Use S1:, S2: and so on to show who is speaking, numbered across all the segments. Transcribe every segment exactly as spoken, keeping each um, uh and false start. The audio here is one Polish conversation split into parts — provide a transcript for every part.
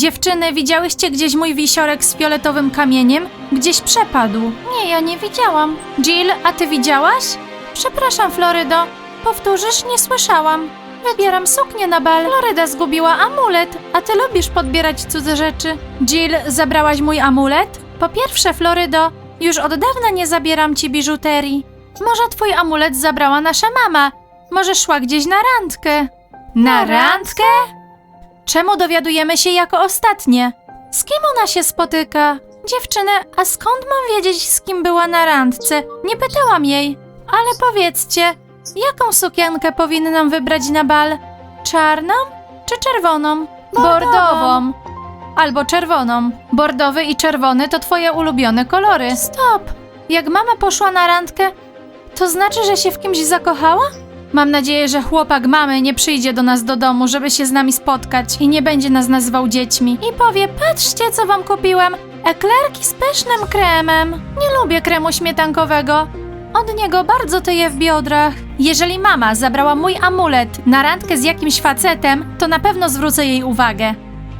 S1: Dziewczyny, widziałyście gdzieś mój wisiorek z fioletowym kamieniem? Gdzieś przepadł. Nie, ja nie widziałam. Jill, a ty widziałaś? Przepraszam, Florydo. Powtórzysz? Nie słyszałam. Wybieram suknię na bal. Floryda zgubiła amulet, a ty lubisz podbierać cudze rzeczy. Jill, zabrałaś mój amulet? Po pierwsze, Florydo, już od dawna nie zabieram ci biżuterii. Może twój amulet zabrała nasza mama. Może szła gdzieś na randkę. Na randkę? Czemu dowiadujemy się jako ostatnie? Z kim ona się spotyka? Dziewczyny, a skąd mam wiedzieć, z kim była na randce? Nie pytałam jej. Ale powiedzcie, jaką sukienkę powinnam wybrać na bal? Czarną czy czerwoną? Bordową. Albo czerwoną. Bordowy i czerwony to twoje ulubione kolory. Stop! Jak mama poszła na randkę, to znaczy, że się w kimś zakochała? Mam nadzieję, że chłopak mamy nie przyjdzie do nas do domu, żeby się z nami spotkać i nie będzie nas nazywał dziećmi. I powie, patrzcie, co wam kupiłem. Eklerki z pysznym kremem. Nie lubię kremu śmietankowego. Od niego bardzo tyje w biodrach. Jeżeli mama zabrała mój amulet na randkę z jakimś facetem, to na pewno zwrócę jej uwagę.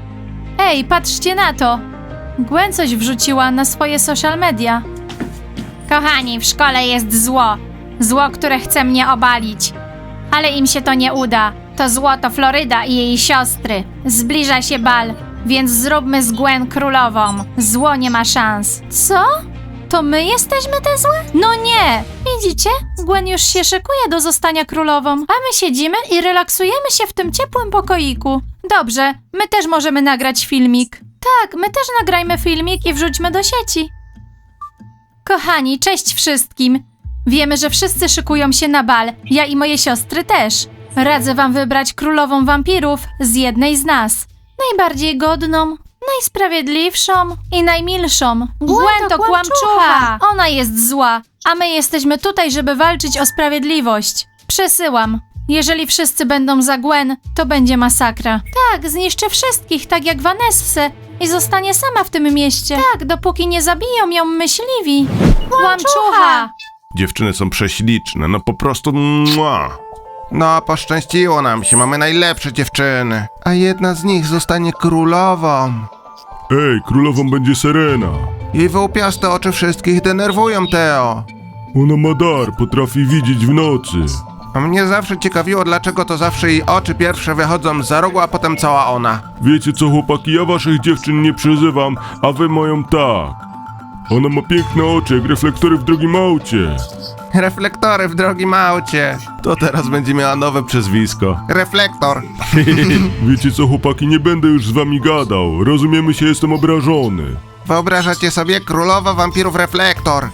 S1: Ej, patrzcie na to. Gwen coś wrzuciła na swoje social media. Kochani, w szkole jest zło. Zło, które chce mnie obalić. Ale im się to nie uda. To zło to Floryda i jej siostry. Zbliża się bal, więc zróbmy z Gwen królową. Zło nie ma szans. Co? To my jesteśmy te złe? No nie! Widzicie? Gwen już się szykuje do zostania królową, a my siedzimy i relaksujemy się w tym ciepłym pokoiku. Dobrze, my też możemy nagrać filmik. Tak, my też nagrajmy filmik i wrzućmy do sieci. Kochani, cześć wszystkim! Wiemy, że wszyscy szykują się na bal, ja i moje siostry też. Radzę wam wybrać królową wampirów z jednej z nas. Najbardziej godną, najsprawiedliwszą i najmilszą. Gwen to kłamczucha! Ona jest zła, a my jesteśmy tutaj, żeby walczyć o sprawiedliwość. Przesyłam. Jeżeli wszyscy będą za Gwen, to będzie masakra. Tak, zniszczy wszystkich, tak jak Vanessę i zostanie sama w tym mieście. Tak, dopóki nie zabiją ją myśliwi. Kłamczucha!
S2: Dziewczyny są prześliczne, no po prostu mua.
S3: No, poszczęściło nam się, mamy najlepsze dziewczyny. A jedna z nich zostanie królową.
S2: Ej, królową będzie Serena.
S3: Jej wyłupiaste oczy wszystkich denerwują, Teo.
S2: Ona ma dar, potrafi widzieć w nocy.
S3: A mnie zawsze ciekawiło, dlaczego to zawsze jej oczy pierwsze wychodzą za rogu, a potem cała ona.
S2: Wiecie co, chłopaki, ja waszych dziewczyn nie przyzywam, a wy moją tak. Ona ma piękne oczy, jak reflektory w drogim aucie.
S3: Reflektory w drogim aucie.
S2: To teraz będzie miała nowe przezwisko.
S3: Reflektor.
S2: Wiecie co, chłopaki, nie będę już z wami gadał. Rozumiemy się, jestem obrażony.
S3: Wyobrażacie sobie królowa wampirów reflektor.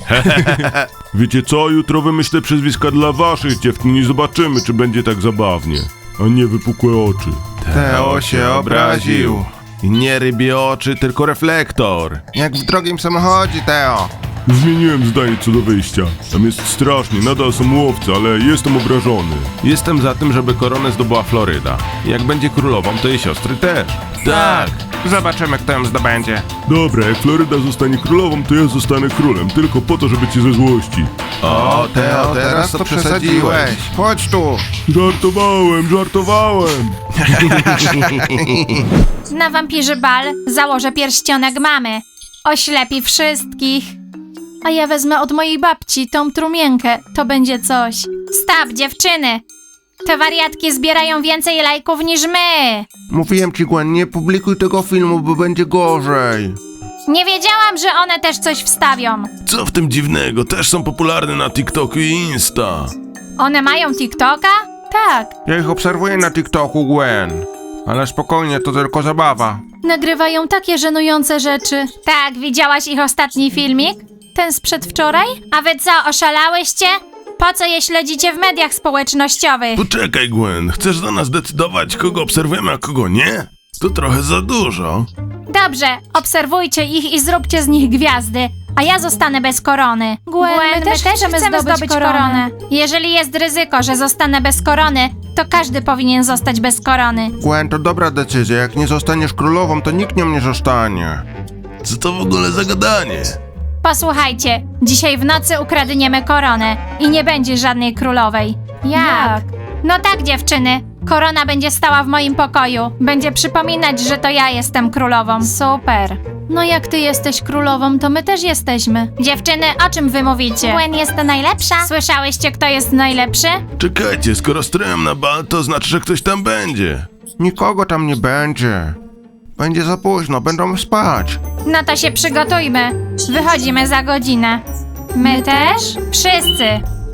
S2: Wiecie co, jutro wymyślę przezwiska dla waszych dziewczyn i zobaczymy, czy będzie tak zabawnie. A nie wypukłe oczy.
S3: Teo się obraził.
S2: I nie rybie oczy, tylko reflektor.
S3: Jak w drogim samochodzie, Teo.
S2: Zmieniłem zdanie co do wyjścia. Tam jest strasznie, nadal są łowcy, ale jestem obrażony. Jestem za tym, żeby koronę zdobyła Floryda. Jak będzie królową, to jej siostry też. Tak!
S3: Zobaczymy, kto ją zdobędzie.
S2: Dobra, jak Floryda zostanie królową, to ja zostanę królem, tylko po to, żeby cię ze złości.
S3: O, Teo, teraz to przesadziłeś. Chodź tu.
S2: Żartowałem, żartowałem.
S1: Na wampirzy bal założę pierścionek mamy. Oślepi wszystkich. A ja wezmę od mojej babci tą trumienkę. To będzie coś. Stop, dziewczyny! Te wariatki zbierają więcej lajków niż my.
S3: Mówiłem ci, Gwen, nie publikuj tego filmu, bo będzie gorzej.
S1: Nie wiedziałam, że one też coś wstawią.
S2: Co w tym dziwnego? Też są popularne na TikToku i Insta.
S1: One mają TikToka? Tak.
S3: Ja ich obserwuję na TikToku, Gwen. Ale spokojnie, to tylko zabawa.
S1: Nagrywają takie żenujące rzeczy. Tak, widziałaś ich ostatni filmik? Ten z przedwczoraj? A wy co, oszalałyście? Po co je śledzicie w mediach społecznościowych?
S2: Poczekaj, Gwen, chcesz za nas decydować, kogo obserwujemy, a kogo nie? To trochę za dużo.
S1: Dobrze, obserwujcie ich i zróbcie z nich gwiazdy, a ja zostanę bez korony. Gwen, my, też chcemy, zdobyć, zdobyć koronę. koronę. Jeżeli jest ryzyko, że zostanę bez korony, to każdy powinien zostać bez korony.
S3: Gwen, to dobra decyzja. Jak nie zostaniesz królową, to nikt nią nie zostanie.
S2: Co to w ogóle za gadanie?
S1: Posłuchajcie, dzisiaj w nocy ukradniemy koronę i nie będzie żadnej królowej. Jak? No tak, dziewczyny. Korona będzie stała w moim pokoju. Będzie przypominać, że to ja jestem królową. Super. No jak ty jesteś królową, to my też jesteśmy. Dziewczyny, o czym wy mówicie? Gwen jest najlepsza. Słyszałyście, kto jest najlepszy?
S2: Czekajcie, skoro stroją na bal, to znaczy, że ktoś tam będzie.
S3: Nikogo tam nie będzie. Będzie za późno, będą spać.
S1: No to się przygotujmy. Wychodzimy za godzinę. My też? Wszyscy.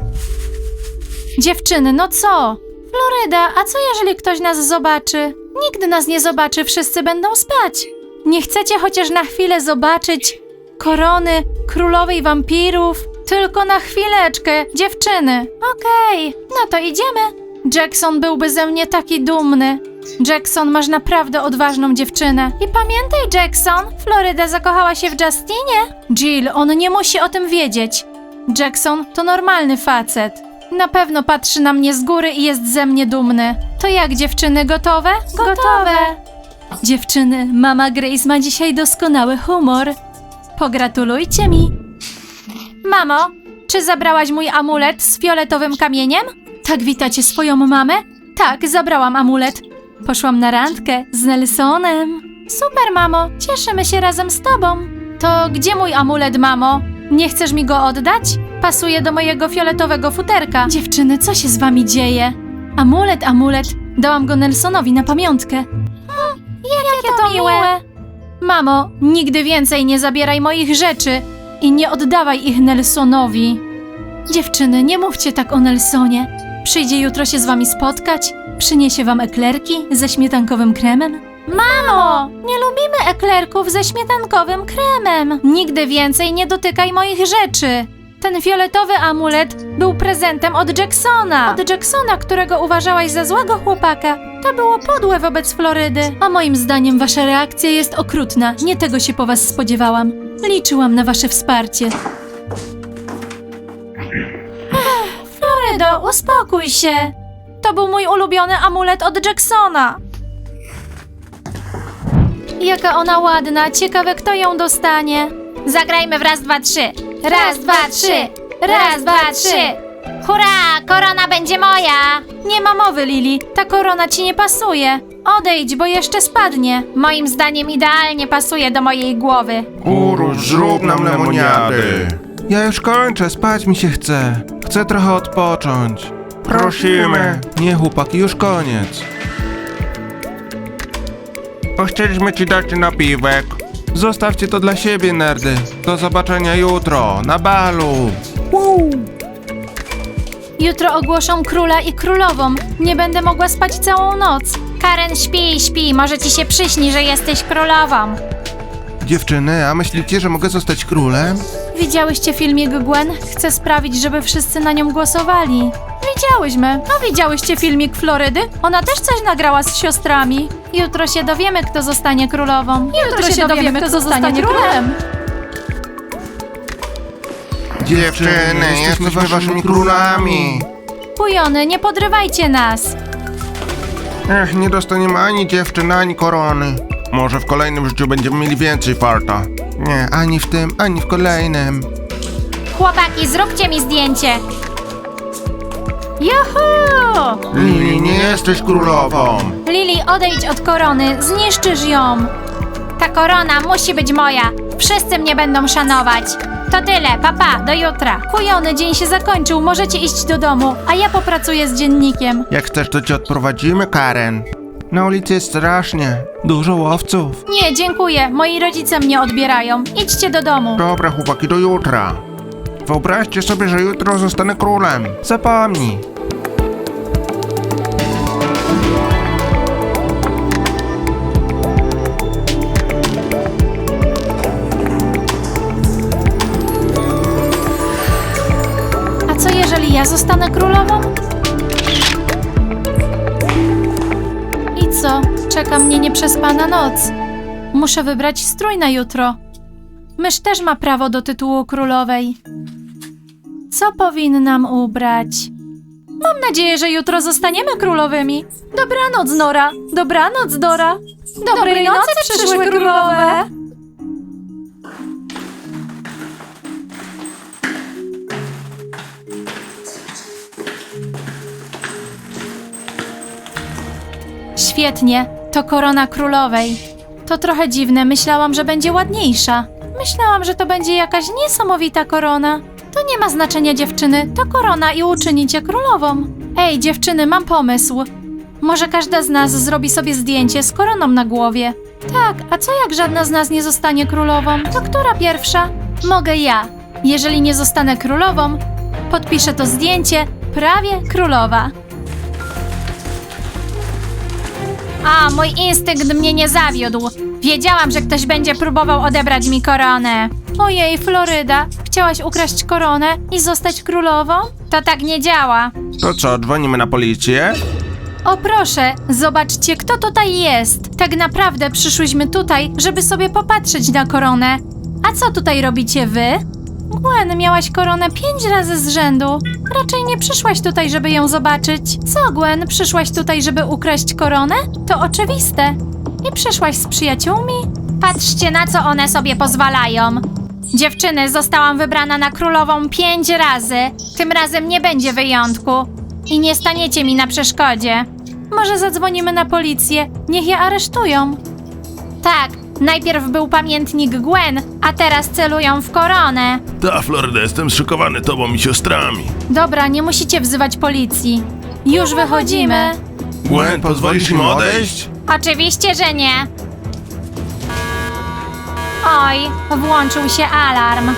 S1: Dziewczyny, no co? Floryda, a co jeżeli ktoś nas zobaczy? Nikt nas nie zobaczy, wszyscy będą spać. Nie chcecie chociaż na chwilę zobaczyć korony królowej wampirów? Tylko na chwileczkę, dziewczyny. Okej, no to idziemy. Jackson byłby ze mnie taki dumny. Jackson, masz naprawdę odważną dziewczynę. I pamiętaj, Jackson, Floryda zakochała się w Justinie. Jill, on nie musi o tym wiedzieć. Jackson to normalny facet. Na pewno patrzy na mnie z góry i jest ze mnie dumny. To jak, dziewczyny, gotowe? Gotowe. Dziewczyny, mama Grace ma dzisiaj doskonały humor. Pogratulujcie mi. Mamo, czy zabrałaś mój amulet z fioletowym kamieniem? Tak witacie swoją mamę? Tak, zabrałam amulet. Poszłam na randkę z Nelsonem. Super, mamo, cieszymy się razem z tobą. To gdzie mój amulet, mamo? Nie chcesz mi go oddać? Pasuje do mojego fioletowego futerka. Dziewczyny, co się z wami dzieje? Amulet, amulet. Dałam go Nelsonowi na pamiątkę. Hmm, jakie, jakie to miłe. miłe. Mamo, nigdy więcej nie zabieraj moich rzeczy i nie oddawaj ich Nelsonowi. Dziewczyny, nie mówcie tak o Nelsonie. Przyjdzie jutro się z wami spotkać, przyniesie wam eklerki ze śmietankowym kremem. Mamo, nie lubimy eklerków ze śmietankowym kremem. Nigdy więcej nie dotykaj moich rzeczy. Ten fioletowy amulet był prezentem od Jacksona. Od Jacksona, którego uważałaś za złego chłopaka. To było podłe wobec Florydy. A moim zdaniem wasza reakcja jest okrutna. Nie tego się po was spodziewałam. Liczyłam na wasze wsparcie. Florydo, uspokój się. To był mój ulubiony amulet od Jacksona. Jaka ona ładna, ciekawe kto ją dostanie. Zagrajmy w raz, dwa, trzy. Raz, dwa, trzy. Raz, dwa, trzy. Hurra, korona będzie moja. Nie ma mowy, Lili, ta korona ci nie pasuje. Odejdź, bo jeszcze spadnie. Moim zdaniem idealnie pasuje do mojej głowy.
S3: Urusz, zrób nam lemoniady. Ja już kończę, spać mi się chce. Chcę trochę odpocząć. Prosimy. Nie, chłopaki, już koniec. Chcieliśmy ci dać napiwek. Zostawcie to dla siebie, nerdy. Do zobaczenia jutro, na balu.
S1: Jutro ogłoszą króla i królową. Nie będę mogła spać całą noc. Karen, śpi, śpi. Może ci się przyśni, że jesteś królową.
S3: Dziewczyny, a myślicie, że mogę zostać królem?
S1: Widziałyście filmik Gwen? Chcę sprawić, żeby wszyscy na nią głosowali. Widziałyśmy. No widziałyście filmik Florydy? Ona też coś nagrała z siostrami. Jutro się dowiemy, kto zostanie królową. Jutro, Jutro się dowiemy, kto zostanie królem.
S3: Dziewczyny, jesteśmy waszymi królami.
S1: Pujony, nie podrywajcie nas.
S3: Ech, nie dostaniemy ani dziewczyn, ani korony. Może w kolejnym życiu będziemy mieli więcej farta. Nie, ani w tym, ani w kolejnym.
S1: Chłopaki, zróbcie mi zdjęcie. Juhu!
S3: Lili, nie jesteś królową.
S1: Lili, odejdź od korony, zniszczysz ją. Ta korona musi być moja. Wszyscy mnie będą szanować. To tyle, papa, do jutra. Kujony, dzień się zakończył, możecie iść do domu, a ja popracuję z dziennikiem.
S3: Jak chcesz, to cię odprowadzimy, Karen. Na ulicy jest strasznie. Dużo łowców.
S1: Nie, dziękuję, moi rodzice mnie odbierają. Idźcie do domu.
S3: Dobra, chłopaki, do jutra. Wyobraźcie sobie, że jutro zostanę królem. Zapomnij.
S1: A co jeżeli ja zostanę królową? I co? Czeka mnie nieprzespana noc. Muszę wybrać strój na jutro. Mysz też ma prawo do tytułu królowej. Co powinnam ubrać? Mam nadzieję, że jutro zostaniemy królowymi. Dobranoc, Nora. Dobranoc, Dora. Dobrej, Dobrej nocy, nocy, przyszłe królowe. Świetnie, to korona królowej. To trochę dziwne, myślałam, że będzie ładniejsza. Myślałam, że to będzie jakaś niesamowita korona. To nie ma znaczenia, dziewczyny, to korona i uczyni cię królową. Ej, dziewczyny, mam pomysł. Może każda z nas zrobi sobie zdjęcie z koroną na głowie. Tak, a co jak żadna z nas nie zostanie królową? To która pierwsza? Mogę ja. Jeżeli nie zostanę królową, podpiszę to zdjęcie prawie królowa. A, mój instynkt mnie nie zawiódł. Wiedziałam, że ktoś będzie próbował odebrać mi koronę. Ojej, Floryda, chciałaś ukraść koronę i zostać królową? To tak nie działa.
S3: To co, dzwonimy na policję?
S1: O proszę, zobaczcie, kto tutaj jest. Tak naprawdę przyszłyśmy tutaj, żeby sobie popatrzeć na koronę. A co tutaj robicie wy? Gwen, miałaś koronę pięć razy z rzędu. Raczej nie przyszłaś tutaj, żeby ją zobaczyć. Co, Gwen, przyszłaś tutaj, żeby ukraść koronę? To oczywiste. I przyszłaś z przyjaciółmi? Patrzcie, na co one sobie pozwalają. Dziewczyny, zostałam wybrana na królową pięć razy. Tym razem nie będzie wyjątku. I nie staniecie mi na przeszkodzie. Może zadzwonimy na policję, niech je aresztują. Tak, najpierw był pamiętnik Gwen, a teraz celują w koronę.
S2: Ta, Floryda, jestem zszokowany tobą i siostrami.
S1: Dobra, nie musicie wzywać policji. Już wychodzimy.
S3: Gwen, pozwolisz im odejść?
S1: Oczywiście, że nie. Oj, włączył się alarm.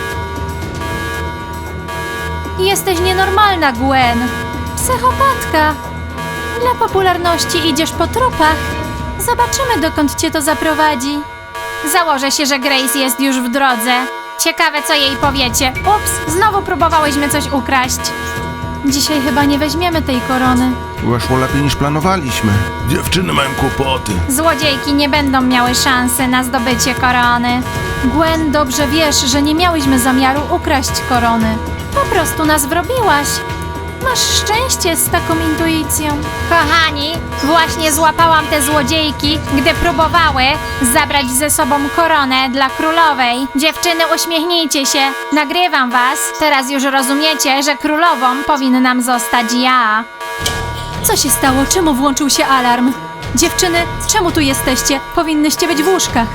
S1: Jesteś nienormalna, Gwen. Psychopatka. Dla popularności idziesz po trupach. Zobaczymy, dokąd cię to zaprowadzi. Założę się, że Grace jest już w drodze. Ciekawe, co jej powiecie. Ups, znowu próbowałyśmy coś ukraść. Dzisiaj chyba nie weźmiemy tej korony.
S3: Weszło lepiej niż planowaliśmy.
S2: Dziewczyny mają kłopoty.
S1: Złodziejki nie będą miały szansy na zdobycie korony. Gwen, dobrze wiesz, że nie miałyśmy zamiaru ukraść korony. Po prostu nas wrobiłaś. Masz szczęście z taką intuicją. Kochani, właśnie złapałam te złodziejki, gdy próbowały zabrać ze sobą koronę dla królowej. Dziewczyny, uśmiechnijcie się. Nagrywam was. Teraz już rozumiecie, że królową powinnam zostać ja. Co się stało? Czemu włączył się alarm? Dziewczyny, czemu tu jesteście? Powinnyście być w łóżkach.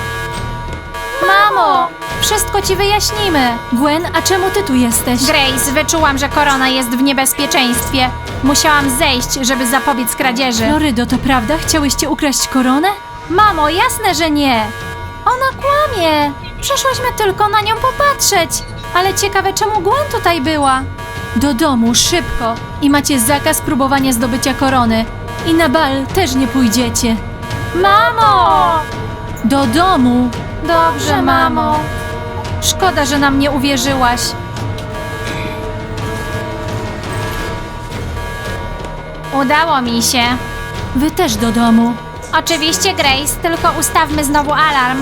S1: Mamo! Wszystko ci wyjaśnimy. Gwen, a czemu ty tu jesteś? Grace, wyczułam, że korona jest w niebezpieczeństwie. Musiałam zejść, żeby zapobiec kradzieży. Florydo, to prawda? Chciałyście ukraść koronę? Mamo, jasne, że nie. Ona kłamie. Przyszłyśmy tylko na nią popatrzeć. Ale ciekawe, czemu Gwen tutaj była? Do domu, szybko. I macie zakaz próbowania zdobycia korony. I na bal też nie pójdziecie. Mamo! Do domu. Dobrze, mamo. Szkoda, że nam nie uwierzyłaś. Udało mi się. Wy też do domu. Oczywiście, Grace, tylko ustawmy znowu alarm.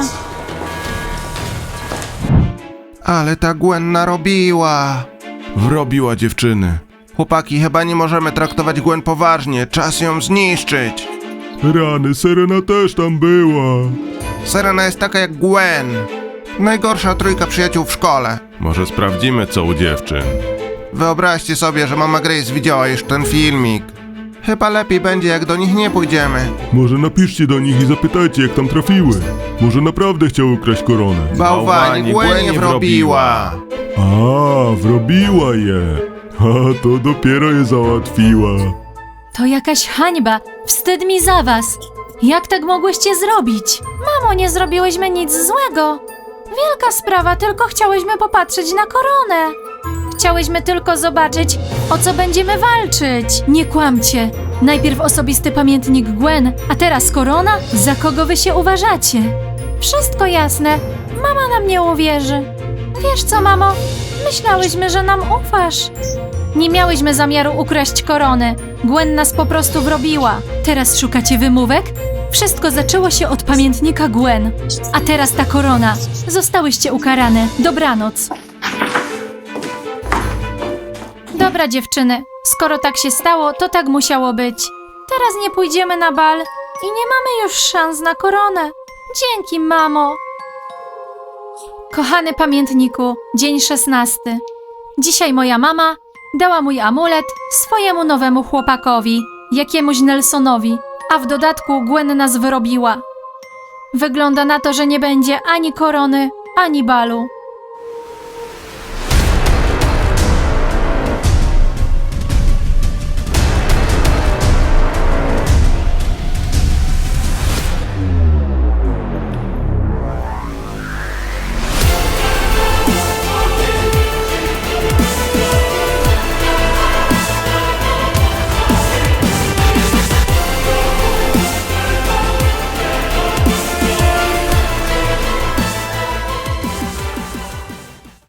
S3: Ale ta Gwen narobiła.
S2: Wrobiła dziewczyny.
S3: Chłopaki, chyba nie możemy traktować Gwen poważnie. Czas ją zniszczyć.
S2: Rany, Serena też tam była.
S3: Serena jest taka jak Gwen. Najgorsza trójka przyjaciół w szkole.
S2: Może sprawdzimy, co u dziewczyn.
S3: Wyobraźcie sobie, że mama Grace widziała już ten filmik. Chyba lepiej będzie, jak do nich nie pójdziemy.
S2: Może napiszcie do nich i zapytajcie, jak tam trafiły. Może naprawdę chciały ukraść koronę.
S3: Bałwani, Gwen nie wrobiła.
S2: A, wrobiła je. A, to dopiero je załatwiła.
S1: To jakaś hańba. Wstyd mi za was. Jak tak mogłyście zrobić? Mamo, nie zrobiłyśmy nic złego. Wielka sprawa, tylko chciałyśmy popatrzeć na koronę. Chciałyśmy tylko zobaczyć, o co będziemy walczyć. Nie kłamcie. Najpierw osobisty pamiętnik Gwen, a teraz korona? Za kogo wy się uważacie? Wszystko jasne. Mama nam nie uwierzy. Wiesz co, mamo? Myślałyśmy, że nam ufasz. Nie miałyśmy zamiaru ukraść korony. Gwen nas po prostu wrobiła. Teraz szukacie wymówek? Wszystko zaczęło się od pamiętnika Gwen. A teraz ta korona. Zostałyście ukarane. Dobranoc. Dobra, dziewczyny. Skoro tak się stało, to tak musiało być. Teraz nie pójdziemy na bal i nie mamy już szans na koronę. Dzięki, mamo. Kochany pamiętniku, dzień szesnasty. Dzisiaj moja mama dała mój amulet swojemu nowemu chłopakowi, jakiemuś Nelsonowi. A w dodatku Gwen nas wyrobiła. Wygląda na to, że nie będzie ani korony, ani balu.